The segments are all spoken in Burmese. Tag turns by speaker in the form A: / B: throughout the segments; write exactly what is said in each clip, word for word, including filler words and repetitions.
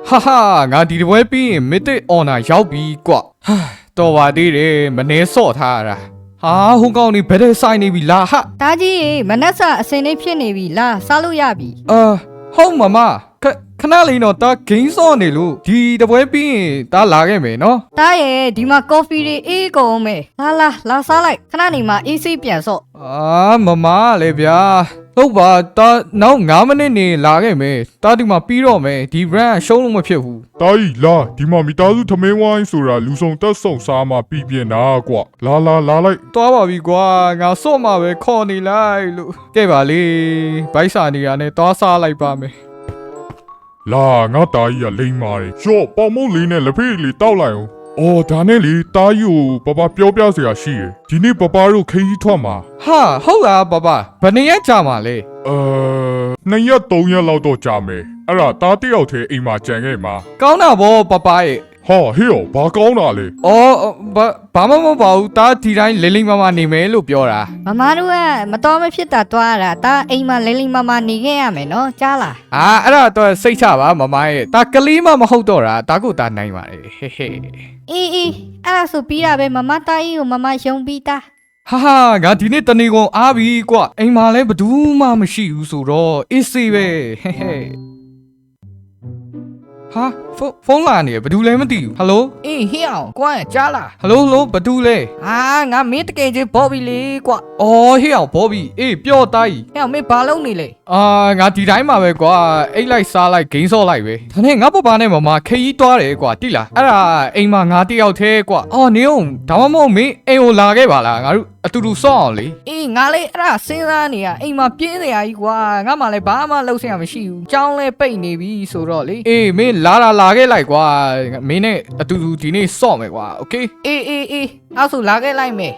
A: ဟာဟာငါဒီတပွဲပြီးရင်မစ်တစ်အော်နာရောက်ပြီကွာဟာတော်ပါသေးတယ်မနှဲဆော့ထားရတာဟာဟိုကောင်နေဘယ်တဲ့ဆိုင်နေပြီလားဟာ
B: တားကြီးမနက်စာအစင်လေးဖြစ်နေပြီလားစားလို့ရပြီ
A: အာဟုတ်မမခခဏလေးတော့တာဂိမ်းဆော့နေလို့ဒီတပွဲပြီးရင်တာလာခဲ့မယ်နော်
B: တားရဲ့ဒီမှာကော်ဖီတွေအေးကုန်မယ်လာလာလာစားလိုက်ခဏနေမှာအေးစိပြန်ဆော့
A: အာမမလည်းဗျာဟုတ်ပါတာနောက်၅မိနစ်နေလာခဲ့မယ်တာဒီမှာပြီးတော့မယ်ဒီ brand ရှုံးလို့မဖြစ်ဘူး
C: တာကြီးလာဒီမှာမိသားစုထမင်းဝိုင်းဆိုတာလူဆောင်တက်ဆုံစားမှပြီးပြင်းတာကွာလာလာလာလိုက်
A: သွားပါပြီကွာငါစော့မှာပဲခေါ်နေလိုက်လို့ကဲပါလေဘိုက်စာနေရနဲ့သွားစားလိုက်ပါမယ်
C: လာငါတာကြီးကလိမ့်ပါတယ်ရော့ပေါင်မုတ်လေးနဲ့လက်ဖေးလေးတောက်လိုက်အောင်အော်ဒါနဲ့လေတာကြီးကိုပပပြောပြစရာရှိရယ်ဒီနေ့ပပတို့ခရီးထွက်မှာ
A: ဟာဟုတ်လားပပဘယ်နှစ်ရက်ကြာမှာလဲ
C: အဲနှစ်ရက်သုံးရက်လောက်တော့ကြာမယ်အဲ့ဒါတားတယောက်တည်းအိမ်မှာကြံခဲ့မှာ
A: ကောင်းတာဗောပပရဲ့
C: ဟာဟေ့ရောဘာကောင်းတာလဲ
A: အော်ဘာဘာမှမပေါ့ဘူးတာဒီတိုင်းလိမ့်လိမ့်မမနေမယ်လို့ပြောတာ
B: မမတို့ကမတော်မဖြစ်တာတွားရတာတားအိမ်မှာလိမ့်လိမ့်မမနေခဲ့ရမယ်နော်ကြားလား
A: အာအဲ့ဒါတော့စိတ်ချပါမမရဲ့တာကလေးမမဟုတ်တော့တာတာကိုတာနိုင်ပါတယ်ဟဲ့ဟဲ့
B: အေးအေးအဲ့ဒါဆိုပြီးတာပဲမမတားကြီးကိုမမယုံပြီးသား
A: ဟာဟာငါဒီနေ့တနေကုန်အားပြီကွအိမ်မှာလည်းဘယ်သူမှမရှိဘူးဆိုတော့အေးစေးပဲဟဲ့ဟဲ့ဟာဖုန်းဖုန်းလာနေဘယ်သူလဲမသိဘူးဟယ်လို
B: အေးဟေ့အောင်ကွာကြားလား
A: ဟယ်လိုဟယ်လိုဘယ်သူလဲ
B: ဟာငါမင်းတကယ်ချင်းဘော်ဘီလေးကွာ
A: အော်ဟေ့အောင်ဘောဘီအေးပြောတိုင်း
B: ဟဲ့အောင်မင်းဘာလုပ်နေလဲ
A: အာငါဒီတိုင်းမှာပဲကွာအိတ်လိုက်စားလိုက်ဂိမ်းဆော့လိုက်ပဲဒါနဲ့ငါပပနဲ့မမခရီးသွားတယ်ကွာတိလားအဲ့ဒါအိမ်မှာငါတယောက်သေးကွာအော်နေအောင်ဒါမှမဟုတ်မင်းအိမ်ကိုလာခဲ့ပါလားငါတို့အတူတူဆော့အောင်လေ
B: အေးငါလေးအဲ့ဒါစဉ်းစားနေရအိမ်မှာပြင်းနေရကြီးကွာငါမှလည်းဘာမှလုပ်စရာမရှိဘူးကြောင်းလဲပိတ်နေပြီဆိုတော့လေ
A: အေးမင်းလာလာလာခဲ့လိုက်ကွာမင်းနဲ့အတူတူဒီနေ့ဆော့မယ်ကွာโอเค
B: အေးအေးအေးအဲ့ဆိုလာခဲ့လိုက်မယ်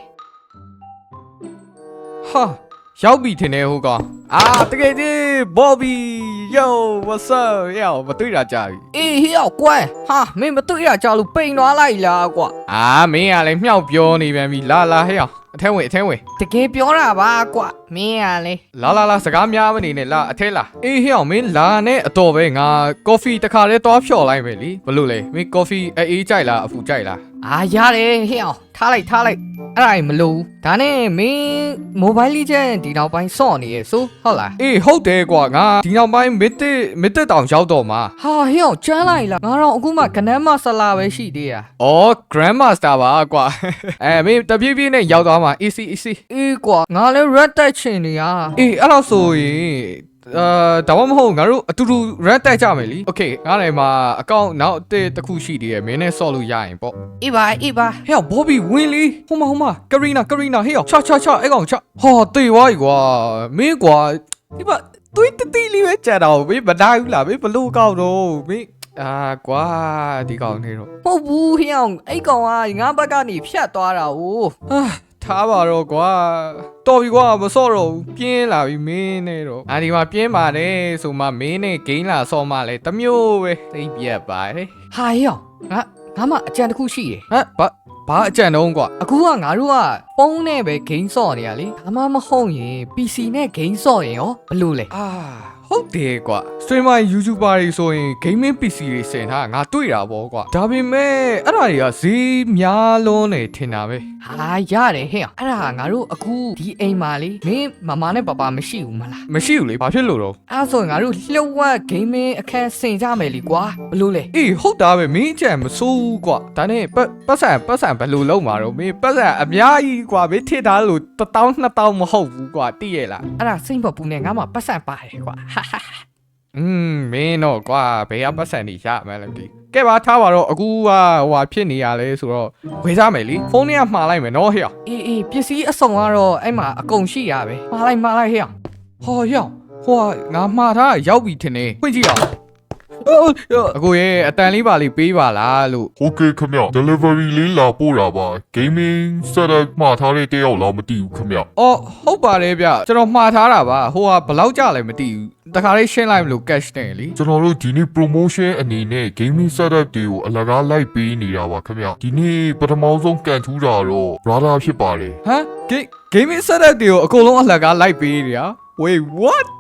A: ဟာရောက်ပြီထင်တယ်ဟိုကောင်အာတကယ်ကြီးဘောဘီ yo what's up ယောမတွေ့တာကြာပြီ
B: အေးဟေ့အောင်ကွာဟာမင်းမတွေ့ရကြလို့ပိန်သွားလိုက်လားကွာ
A: အာမင်းကလည်းမြောက်ပြောနေပြန်ပြီလာလာဟဲ့အောင်အထဲဝင်အထဲဝင်
B: တကယ်ပြောတာပါကွာမင်းကလေ
A: လာလာလာစကားများမနေနဲ့လာအထဲလာအေးဟဲ့အောင်မင်းလာနဲ့အတော်ပဲငါကော်ဖီတစ်ခါတည်းသွားဖြော်လိုက်မယ်လीဘလို့လဲမင်းကော်ဖီအေးကြိုက်လားအဖူကြိုက်လား
B: အာရတယ်ဟေ့အောင်ထားလိုက်ထားလိုက်အဲ့ဒါမလို့ဒါနဲ့မင်းမိုဘိုင်းလေးချက်ဒီနောက်ပိုင်းစော့နေရဲ့ဆိုဟုတ်လား
A: အေးဟုတ်တယ်ကွာငါဒီနောက်ပိုင်းမစ်တစ်မစ်တစ်တောင်ရောက်တော့မှာ
B: ဟာဟေ့အောင်ကျန်းလိုက်လားငါတော့အခုမှကနန်းမဆလာပဲရှိသေးရ
A: အော် grandmaster ပါကွာအဲမင်းတပြေးပြေးနဲ့ရောက်သွားမှာ easy easy
B: အေးကွာငါလည်း red တိုက်ချင်နေရ
A: အေးအဲ့တော့ဆိုရင်အာဒါမှမဟုတ်ငါတို့အတူတူ red တိုက်ကြမယ်လी okay ငါလည်းမှာအကောင့်နောက်အတစ်တစ်ခုရှိသေးတယ်မင်းနဲ့ဆော့လို့ရရင်ပေါ့
B: အေးပါအေးပါ
A: ဟဲ့ဘောဘီဝင်းလီဟိုမဟိုမကရီနာကရီနာဟေးချာချာချာအဲ့ကောင်ချဟာတေးဝါးကြီးကွာမင်းကွာဒီပါသွေးတတိလေးပဲကြံတော့မင်းမနိုင်ဘူးလားမင်းဘလို့ကောက်တော့မင်းအာကွာဒီကောင်နေတော့
B: ဟုတ်ဘူးဟေ့အောင်အဲ့ကောင်ကငါဘက်ကနေဖြတ်သွားတာ哦
A: အာထားပါတော့ကွာတော်ပြီကွာမစော့တော့ဘူးပြင်းလာပြီမင်းနဲ့တော့အာဒီမှာပြင်းပါတယ်ဆိုမှမင်းနဲ့ဂိမ်းလာစော့မှလဲတမျိုးပဲသိပြတ်ပါတယ်
B: ဟာဟေ့အောင်ငါငါမှအကြံတစ်ခုရှိတယ်
A: ဟမ်ဘာဘာအကြံတော့ကွာ
B: အခုကငါတို့ကဖုန်းနဲ့ပဲဂိမ်းဆော့နေရလေဒါမှမဟုတ်ရင် ပီ စီ နဲ့ဂိမ်းဆော့ရင်ရောဘလို့လဲ
A: အာဟုတ်တယ်ကွာ streamer YouTuber တွေဆိုရင် gaming ပီ စီ တွေစင်ထားငါတွေ့တာပေါ့ကွာဒါပေမဲ့အဲ့ဒါတွေကဈေးများလုံးနေထင်တာပဲ
B: ဟာရတယ်ဟဲ့အောင်အဲ့ဒါငါတို့အခုဒီအိမ်မှာလေမင်းမမနဲ့ပပမရှိဘူးမလား
A: မရှိဘူးလေဘာဖြစ်လို့တော့
B: အဲ့ဆိုရင်ငါတို့လှုပ်ဝက်ဂိမ်းမင်းအခန်းဆင်ကြမယ်လीကွာဘလို့လဲ
A: အေးဟုတ်တာပဲမင်းအကြံမဆိုးဘူးကွာဒါနဲ့ပတ်ပတ်ဆံပတ်ဆံဘယ်လိုလုပ်မှာတော့မင်းပတ်ဆံအများကြီးကွာမင်းထစ်ထားလို့တစ်တောင်းနှစ်တောင်းမဟုတ်ဘူးကွာသိရဲ့လား
B: အဲ့ဒါစိတ်မပူနဲ့ငါမှပတ်စံပါတယ်ကွာဟာဟာ
A: อืมမင်းတော့ကွာဘယ်ကပတ်ဆံနေရမှန်းလဲမသိကဲပါထားပါတော့အခုကဟိုဟာဖြစ်နေရလဲဆိုတော့ဝေးစားမယ်လीဖုန်းထဲကမှားလိုက်မယ်နော်ဟဲ့
B: အေးအေးပစ္စည်းအစုံကတော့အဲ့မှာအကုန်ရှိရပဲမှားလိုက်မှားလိုက်ဟဲ့အောင်
A: ဟောဟဲ့ဟိုကငါမှားထားရောက်ပြီထင်တယ်ဖွင့်ကြည့်အောင်အခုရဲ့အတန်လေးပါလေးပေးပါလားလို့
C: โอเคခင်ဗျ delivery လေးလာပို့တာပါ gaming setup မှာထားတဲ့တယောက်လောက်မသိဘူးခင်ဗျ
A: အော်ဟုတ်ပါတယ်ဗျကျွန်တော်မှားထားတာပါဟိုကဘယ်လောက်ကြလဲမသိဘူးတခါလေးရှင်းလိုက်မလို့ cash နဲ့လी
C: ကျွန်တော်တို့ဒီနေ့ promotion အနေနဲ့ gaming setup တွေကိုအလကားလိုက်ပေးနေတာပါခင်ဗျဒီနေ့ပထမဆုံးကန်ထူးတာတော့ brother ဖြစ်ပါတယ်
A: ဟမ် gaming setup တွေကိုအကုန်လုံးအလကားလိုက်ပေးနေတာ wait what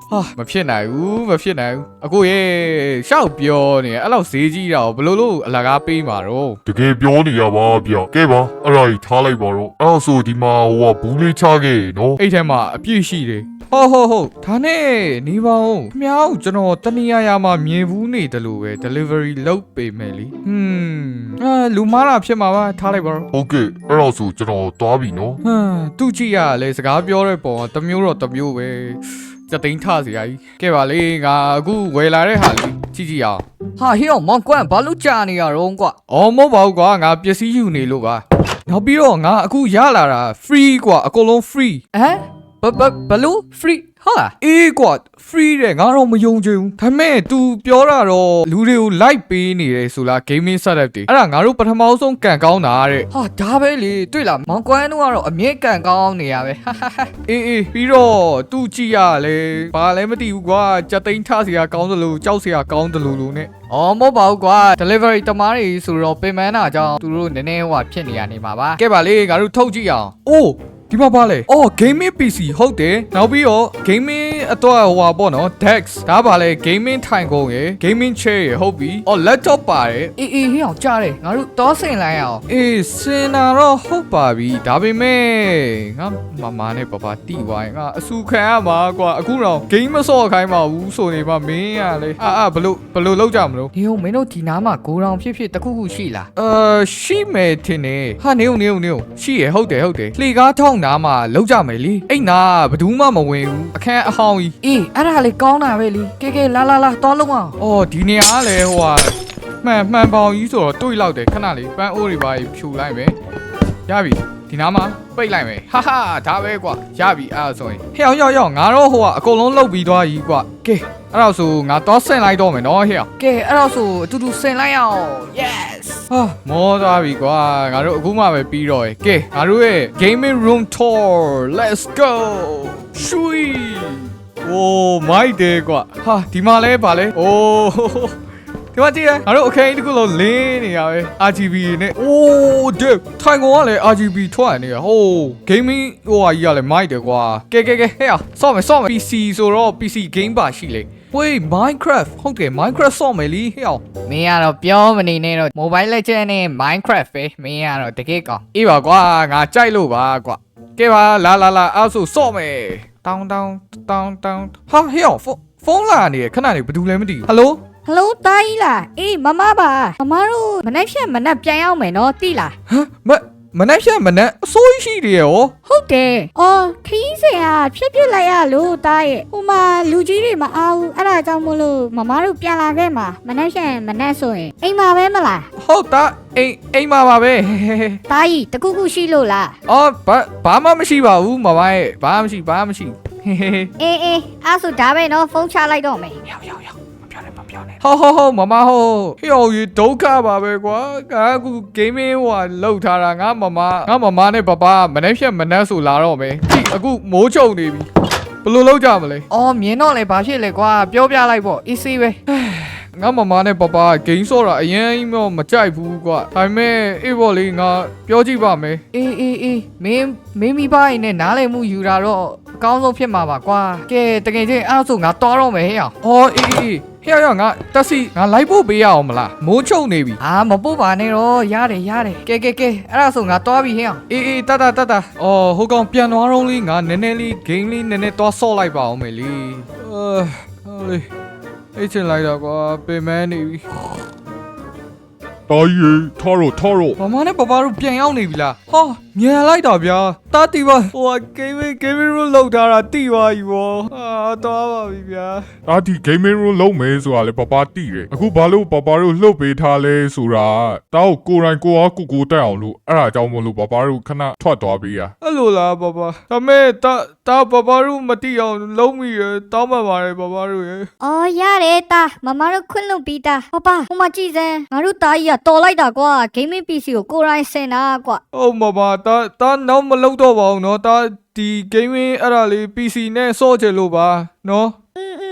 A: ဟာမဖြစ်နိုင်ဘူးမဖြစ်နိုင်ဘူးအခုရေရှောက်ပြောနေအဲ့လောက်ဈေးကြီးတာကိုဘယ်လိုလို့အလကားပေးမှာတော့
C: တကယ်ပြောနေရပါဗျကဲပါအဲ့ဒါကြီးထားလိုက်ပါတော့အဲ့ဆိုဒီမှာဟိုကဘူးလေးချခဲ့နော်
A: အဲ့ထဲမှာအပြည့်ရှိတယ်ဟုတ်ဟုတ်ဟုတ်ဒါနဲ့နေပါဦးခမောက်ကျွန်တော်တနည်းအားမှာမြင်ဘူးနေတယ်လို့ပဲ delivery လုပ်ပေးမယ်လीဟွန်းအာလူမားတာဖြစ်မှာပါထားလိုက်ပါတော့
C: ဟုတ်ကဲ့အဲ့တော့ဆိုကျွန်တော်သွားပြီနော်
A: ဟမ်သူကြည့်ရလဲစကားပြောတဲ့ပုံကတစ်မျိုးတော့တစ်မျိုးပဲစတိန်ထစရာကြီးကဲပါလေငါအခုဝယ်လာတဲ့ဟာလေးကြည့်ကြည့်အောင်
B: ဟာဟေ့အောင်မောင်ကွမ်ဘာလို့ကြာနေရတော့ကွာ
A: အော်မဟုတ်ပါဘူးကွာငါပစ္စည်းယူနေလို့ပါနောက်ပြီးတော့ငါအခုရလာတာ free ကွာအကုန်လုံး free
B: ဟမ်ဘဘဘလို့ free ဟုတ်လား
A: အေးကွာ free တဲ့ငါတော့မယုံချင်ဘူးဒါပေမဲ့ तू ပြောတာတော့လူတွေကို like ပေးနေတယ်ဆိုလား gaming setup တွေအဲ့ဒါငါတို့ပထမဆုံးကန်ကောင်းတာတဲ့
B: ဟာဒါပဲလေတွေ့လားမောင်ကွမ်တို့ကတော့အမြဲကန်ကောင်းနေရပဲဟာဟာဟာ
A: အေးအေးပြီးတော့ तू ကြည့်ရလဲဘာလဲမသိဘူးကွာစက်သိန်းထစရာကောင်းတယ်လို့ကြောက်စရာကောင်းတယ်လို့လို့ ਨੇ
B: အော်မဟုတ်ပါဘူးကွာ delivery တမားတွေဆိုတော့ပင်မန်းတာကြောင့်သူတို့နည်းနည်းဟိုဖြစ်နေရနေမှာပါ
A: ကဲပါလေငါတို့ထုတ်ကြည့်အောင်အိုးဒီမှာပါလေအော် gaming ပီ စီ ဟုတ်တယ်နောက်ပြီးတော့ gaming အတွက်ဟိုပါပေါ့နော် desk ဒါပါလေ gaming ထိုင်ကုန်ရယ် gaming chair ရယ်ဟုတ်ပြီအော် laptop ပါတယ်
B: အေးအေးဟေ့အောင်ကြားတယ်ငါတို့တောဆင်လိုက်အောင်
A: အေးစင်တာတော့ဟုတ်ပါပြီဒါပေမဲ့ငါမမနဲ့ပပတီဝိုင်းငါအဆူခံရမှာကွာအခုတော့ game မဆော့ခိုင်းပါဘူးဆိုနေမှမင်းရလေအာအာဘလို့ဘလို့လောက်ကြမလို့
B: ဒီဟိုမင်းတို့ဒီနားမှာဂိုးတောင်ဖြစ်ဖြစ်တခုခုရှိလား
A: အာရှိမယ်ထင်တယ်ဟာနေုံနေုံနေုံရှိရဟုတ်တယ်ဟုတ်တယ်လှေကားထောင်းနားမှာလောက်ကြမယ်လေအဲ့နာဘယ်သူမှမဝင်ဘူးအခန်းအဟောင်းကြီး
B: အေးအဲ့ဒါလေကောင်းတာပဲလေကဲကဲလာလာလာတောလုံးအောင်
A: အော်ဒီနေရာကလည်းဟိုဟာမှန်မှန်ပေါင်ကြီးဆိုတော့တွေးလောက်တယ်ခဏလေးပန်းအိုးတွေပါဖြူလိုက်မယ်ရပြီဒီနားမှာပိတ်လိုက်မယ်ဟာဟာဒါပဲကွာရပြီအဲ့ဒါဆိုရင်ဟဲ့အောင်ရောက်ရောက်ငါတော့ဟိုကအကုန်လုံးလုတ်ပြီးသွားကြီးကွာကဲအဲ့တော့ဆိုငါတော့ဆင်လိုက်တော့မယ်နော်ဟဲ့အောင်
B: ကဲအဲ့တော့ဆိုအတူတူဆင်လိုက်အောင် yes
A: ဟာမောသွားပြီကွာငါတို့အခုမှပဲပြီးတော့ရယ်ကဲငါတို့ရဲ့ gaming room tour let's go ရှွီโอ้မိုက်တယ်ကွာဟာဒီမှာလဲဗာလဲโอ้ဒီမှာကြည့်ရငါတို့အခင်းတစ်ခုလုံးလင်းနေရပဲ R G B နဲ့โอ้ဒီထိုင်ကုန်ကလည်း R G B ထွက်နေရဟို gaming ဟိုဟာကြီးကလည်းမိုက်တယ်ကွာကဲကဲကဲဟဲ့အောင်ဆော့မယ်ဆော့မယ် P C ဆိုတော့ P C game ပါရှိလေဝေး Minecraft ဟုတ်တယ် Minecraft ဆော့မယ်လीဟဲ့အောင်
B: မင်းကတော့ပြောမနေနဲ့တော့ Mobile Legends နဲ့ Minecraft ပဲမင်းကတော့တကယ်ကောင်း
A: အေးပါကွာငါကြိုက်လို့ပါကွာကဲပါလာလာလာအဲ့ဆိုဆော့မယ်တောင်းတောင်းတောင်းတောင်းဟာဟဲ့အောင်ဖုန်းလာနေခဏနေဘာလို့လဲမသိဘူးဟယ်လို
D: ဟယ်လိုတားကြီးလားအေးမမပါမမတို့မနေ့ဖြန်မနေ့ပြန်ရောက်မယ်နော်တိလား
A: ဟမ်မမနေ့ဖြန်မနေ့အစိုးရရှိတယ်ရော
D: ဟုတ်တယ်အော်ခီးစင်ဟာဖြည့်ပြစ်လိုက်ရလို့တားရဲ့ဟိုမှာလူကြီးတွေမအားဘူးအဲ့ဒါကြောင့်မို့လို့မမတို့ပြန်လာခဲ့မှာမနေ့ဖြန်မနေ့ဆိုရင်အိမ်မှာပဲမလား
A: ဟုတ်တာအိမ်အိမ်မှာပါပဲ
D: တားကြီးတခုခုရှိလို့လား
A: အော်ဘာဘာမှမရှိပါဘူးမမရဲ့ဘာမှမရှိဘာမှမရှိဟေးဟေး
D: အေးအေးအဲ့ဆိုဒါပဲနော်ဖုန်းချလိုက်တော့မယ်
A: ရောက်ရောက်ရောက်မပြောနဲ့မပြောနဲ့ဟောဟောဟောမမဟောဟေ့အောင်ရေဒုက္ခပါပဲကွာငါအခု gaming ဟိုဟာလောက်ထားတာငါမမငါမမနဲ့ပပမနေ့ဖြတ်မနေ့ဆိုလာတော့မယ်ကြည့်အခုမိုးချုံနေပြီဘယ်လိုလုပ်ကြမလဲ
B: အော်မြင်တော့လေဘာဖြစ်လဲကွာပြောပြလိုက်ပေါ့ easy ပဲ
A: ငါမမနဲ့ပပဂိမ်းဆော့တာအရင်တော့မကြိုက်ဘူးကွာဒါပေမဲ့အေးဘော်လေးငါပြောကြည့်ပါမယ်
B: အေးအေးအေးမင်းမင်းမိဘရင်နဲ့နားလည်မှုယူတာတော့အကောင်းဆုံးဖြစ်မှာပါကွာကဲတကယ်ချင်းအဲ့ဒါဆိုငါတော်တော့မယ်ဟဲ့အောင်
A: အော်အေးအေးဟဲ့ရောက်ငါတက်စီငါလိုက်ဖို့ပေးရအောင်မလားမိုးချုံနေပြီ
B: အာမပုတ်ပါနဲ့တော့ရတယ်ရတယ်ကဲကဲကဲအဲ့ဒါဆိုငါတော်ပြီဟဲ့အောင်
A: အေးအေးတတ်တတ်တတ်အော်ဟိုကောင်ပြန်သွားတော့လေးငါနည်းနည်းလေးဂိမ်းလေးနည်းနည်းတော့ဆော့လိုက်ပါအောင်မယ်လीအာဟောလေအိတ်ချင်လိုက်တော့ကွာပင်မနေပြီ
C: တာကြီးထားတော့ထားတော့
A: မမနဲ့ပပတို့ပြန်ရောက်နေပြီလားဟာမြန်လိုက်တာဗျာတာတီပါဟိုက gaming gaming room လောက်ထားတာတီပါပြီဗောအာတော့ပါပြီဗျာ
C: ဒါဒီ gaming room လုံးမယ်ဆိုတာလေပပတိတယ်အခုဘာလို့ပပတို့လှုပ်ပေးထားလဲဆိုတာတောက်ကိုယ်တိုင်ကိုအားကိုကိုတက်အောင်လို့အဲ့ဒါကြောင့်မလို့ပပတို့ခဏထွက်သွားပေးရ
A: အဲ့လိုလားပပဒါမဲ့တာတာပပတို့မတီအောင်လုံးမိရတောင်းပန်ပါတယ်ပပတို့ရ
D: အော်ရတယ်တားမမတို့ခွင့်လွှတ်ပြီးတာဟောပါဟိုမှာကြည့်စမ်းငါတို့တားကြီးကတော်လိုက်တာကွာ gaming P C ကိုကိုယ်တိုင်ဆင်တာကွာ
A: ဟုတ်မပါတာတာနောက်မလုပ်တော့ပါဘူးเนาะတာဒီ gaming အဲ့ဒါလေး P C နဲ့ဆော့ချင်လို့ပါเนาะ
D: อืมอืม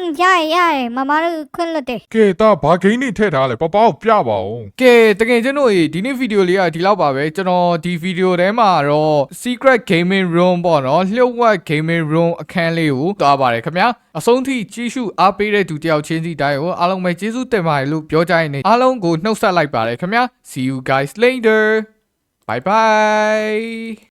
D: ရတယ်ရတယ်မမတို့ခွင့်လွတ်တယ်
C: ကဲတာဘာဂိမ်းနေထည့်ထားလဲပပကိုပြပါဦး
A: ကဲတကယ်ကျွန်တော်ဒီနေ့ဗီဒီယိုလေးကဒီလောက်ပါပဲကျွန်တော်ဒီဗီဒီယိုထဲမှာတော့ secret gaming room ပေါ့နော်လျှို့ဝှက် gaming room အခန်းလေးကိုသွားပါတယ်ခင်ဗျာအဆုံးထိကြည့်ရှုအားပေးတဲ့သူတယောက်ချင်းစီတိုင်းကိုအားလုံးပဲကျေးဇူးတင်ပါတယ်လို့ပြောကြရင်အားလုံးကိုနှုတ်ဆက်လိုက်ပါတယ်ခင်ဗျာ see you guys later bye bye